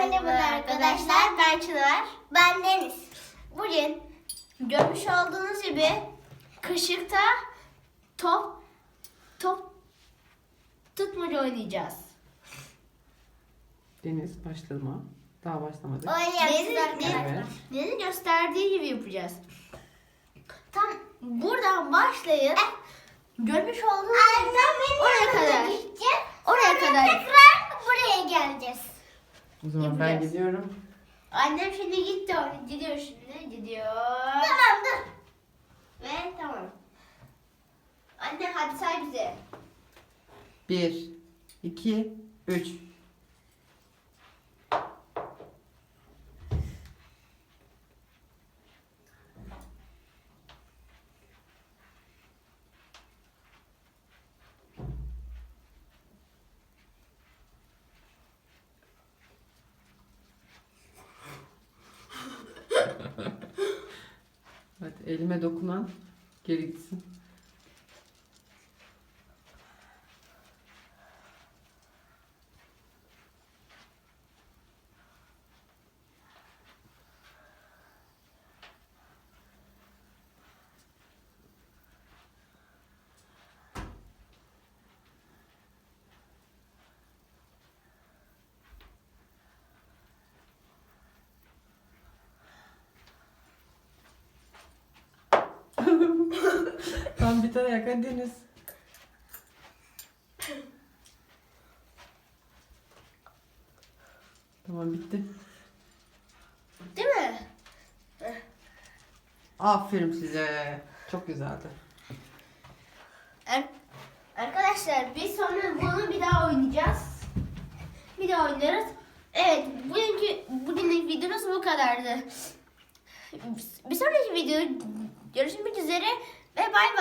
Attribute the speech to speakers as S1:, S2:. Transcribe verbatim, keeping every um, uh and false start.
S1: Merhaba arkadaşlar, ben Çınar. Ben Deniz. Bugün görmüş olduğunuz gibi kışıkta top top tutmaca oynayacağız.
S2: Deniz başlama. Daha başlamadık.
S1: Deniz'in
S2: Evet.
S1: Deniz'in gösterdiği gibi yapacağız. Tam buradan başlayıp görmüş olduğunuz gibi oraya kadar. Oraya kadar. Tekrar buraya geleceğiz.
S2: O zaman ben
S1: Yapacağız.
S2: gidiyorum.
S1: Annem şimdi gitti oraya. Gidiyor şimdi. Gidiyor. Tamam dur. Ve tamam. Anne hadi say bize.
S2: Bir, iki, üç. Hadi elime dokunan geri gitsin. Tam bir tane yakın Deniz. Tamam bitti.
S1: Değil mi?
S2: Aferin size. Çok güzeldi.
S1: Er- Arkadaşlar biz sonra bunu bir daha oynayacağız. Bir daha oynarız. Evet, bugünkü bugünlük videomuz bu kadardı. Bir sonraki video görüşmek üzere ve bay bay.